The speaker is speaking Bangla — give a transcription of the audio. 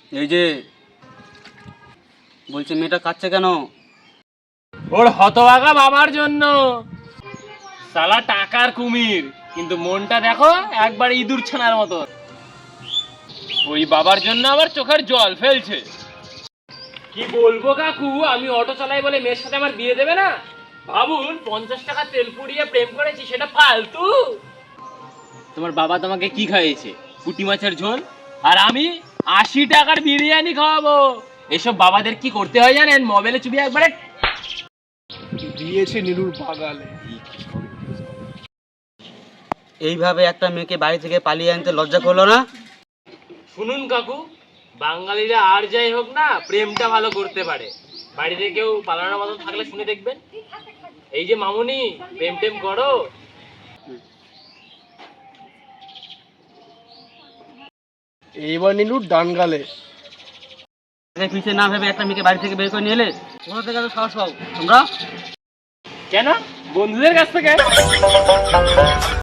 এই যে বলছে মেয়েটা কাঁদছে কেন? ওর হতভাগা বাবার জন্য। শালা টাকার কুমির, কিন্তু মনটা দেখো একবার ইঁদুর ছানার মতো। ওই বাবার জন্য আবার চোখের জল ফেলছে। কি বলবো কাকু, আমি অটো চালাই বলে মেয়ের সাথে আমার বিয়ে দেবে না? ভাবুন, 50 টাকা তেল পুড়িয়ে প্রেম করেছি, সেটা ফালতু। তোমার বাবা তোমাকে কি খাইয়েছে? পুঁটি মাছের ঝোল। আর আমি 80 টাকার বিরিয়ানি খাওয়াবো। এসব বাবাদের কি করতে হয় জানেন? মোবাইলে চুবিয়ে একবারে দিয়েছে নীলুর বাগালে। এইভাবে একটা মেয়েকে বাড়ি থেকে পালিয়ে আনতে লজ্জা করলো না? শুনুন কাকু, বাঙালিরা আর যাই হোক না, প্রেমটা ভালো করতে পারে। বাড়িতে কেউ পালানোর মতো থাকলে শুনে দেখবেন। এই যে মামুনি, প্রেম টেম করো। এইবার নীলুর ডান গালে। পিছিয়ে না ভেবে একটা মেয়েকে বাড়ি থেকে বের করে নিয়ে এলে, কোথা থেকে এত সাহস পাও তোমরা? কেন? বন্ধুদের কাছ থেকে।